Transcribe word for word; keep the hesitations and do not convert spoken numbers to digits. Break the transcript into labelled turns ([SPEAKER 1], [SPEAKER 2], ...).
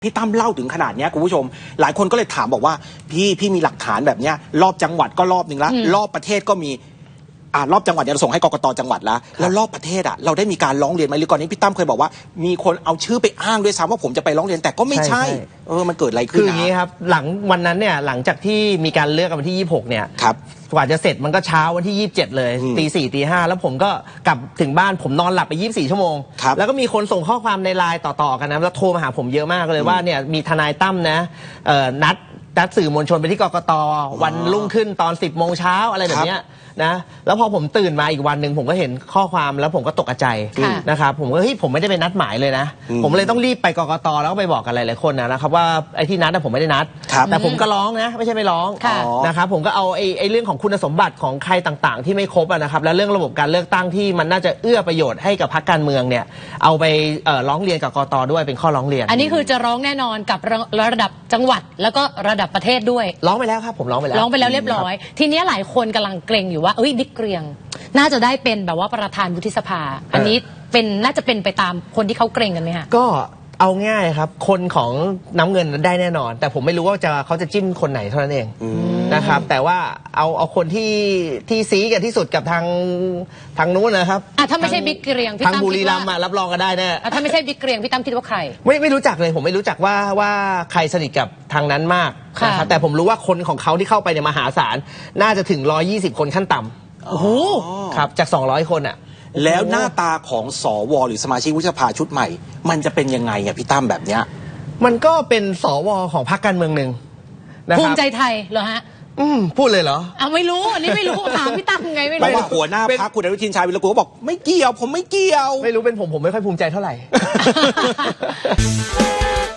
[SPEAKER 1] พี่ตั้มเล่าถึงขนาดนี้คุณผู้ชมหลายคนก็เลยถามบอกว่าพี่พี่มีหลักฐานแบบนี้รอบจังหวัดก็รอบหนึ่งแล้วรอบประเทศก็มีอ่ารอบจังหวัดเนี่ยเราส่งให้กกตจังหวัดแล้วแล้วรอบประเทศอ่ะเราได้มีการร้องเรียนไหมหรือก่อนนี้พี่ตั้มเคยบอกว่ามีคนเอาชื่อไปอ้างด้วยซ้ำว่าผมจะไปร้องเรียนแต่ก็ไม่ใช่เออมันเกิดอะไรขึ้น
[SPEAKER 2] คืออย่างนี้ครับหลังวันนั้นเนี่ยหลังจากที่มีการเลือกกันวันที่ยี่สิบหกเนี่ย
[SPEAKER 1] ครับ
[SPEAKER 2] กว่าจะเสร็จมันก็เช้าวันที่ยี่สิบเจ็ดเลยตีสี่ตีห้าแล้วผมก็กลับถึงบ้านผมนอนหลับไปยี่สิบสี่ชั่วโมงแล้วก็มีคนส่งข้อความในไลน์ต่อๆกันนะแล้วโทรมาหาผมเยอะมากเลยว่าเนี่ยมีทนายตั้มนะนัดนัดสื่อมวลชนไปที่กกตวันรุ่งขึ้นตอนสิบโมงเช้าอะไรแบบนี้นะแล้วพอผมตื่นมาอีกวันหนึ่งผมก็เห็นข้อความแล้วผมก็ตกใจนะครับผมก็เฮ้ยผมไม่ได้ไปนัดหมายเลยนะผมเลยต้องรีบไปกกตแล้วก็ไปบอกกันหลายๆคนนะครับว่าไอ้ที่นัดผมไม่ได้นัดแต่ผมก็ร้องนะไม่ใช่ไม่ร้องนะครับผมก็เอาไอ้ไอ้เรื่องของคุณสมบัติของใครต่างๆที่ไม่ครบนะครับแล้วเรื่องระบบการเลือกตั้งที่มันน่าจะเอื้อประโยชน์ให้กับพรรคการเมืองเนี่ยเอาไปร้องเรียนกับกกตด้วยเป็นข้อร้องเรียน
[SPEAKER 3] อันนี้คือจะร้องแน่นอนกับระดับจังหวัดแล้วก็ระดับประเทศด้วย
[SPEAKER 2] ร้องไปแล้วครับผมร้องไปแล้ว
[SPEAKER 3] ร้องไปแล้วเรียบร้อยทีนี้หลายคนกำลังเกรงอยู่ว่าเอ้ยบิ๊กเกรียงน่าจะได้เป็นแบบว่าประธานวุฒิสภาอันนี้เป็นน่าจะเป็นไปตามคนที่เขาเกรงกันไหมคะ
[SPEAKER 2] ก็เอาง่ายครับคนของน้ำเงินได้แน่นอนแต่ผมไม่รู้ว่าจะเขาจะจิ้มคนไหนเท่านั้นเองนะครับแต่ว่าเอาเอาคนที่ที่ซีกันที่สุดกับทางทางนู้นนะครับ
[SPEAKER 3] อ่ะถ้าไม่ใช่บิ๊กเกรียง
[SPEAKER 2] ทางบุรีรัมย์รับรองก็ได้แน่
[SPEAKER 3] ถ้าไม่ใช่บิ๊กเกรียงพี่ตั้มคิดว่าใคร
[SPEAKER 2] ไม่ไม่รู้จักเลยผมไม่รู้จักว่าว่าใครสนิทกับทางนั้นมากนะครับแต่ผมรู้ว่าคนของเขาที่เข้าไปในมหาศาลน่าจะถึงหนึ่งร้อยยี่สิบคนขั้นต่ำ
[SPEAKER 3] โอ้โห
[SPEAKER 2] ครับจากสองร้อยคนอ่ะ
[SPEAKER 1] แล้วหน้าตาของสวหรือสมาชิกวุฒิสภาชุดใหม่มันจะเป็นยังไงอ่ะพี่ตั้มแบบเนี้ย
[SPEAKER 2] มันก็เป็นสวของพรรคการเมืองหนึ่งนะครับ
[SPEAKER 3] ภูมิใจไทยเหรอฮะ
[SPEAKER 2] อืมพูดเลยเหรอ
[SPEAKER 3] อ่ะไม่รู้อันนี้ไม่รู้ถามพี่ตั้มไงไม่รู้
[SPEAKER 1] ว่าหัวหน้าพรรคคุณอนุทินชาญวิรกูลบอกไม่เกี่ยวผมไม่เกี่ยว
[SPEAKER 2] ไม่รู้เป็นผมผมไม่ค่อยภูมิใจเท่าไหร่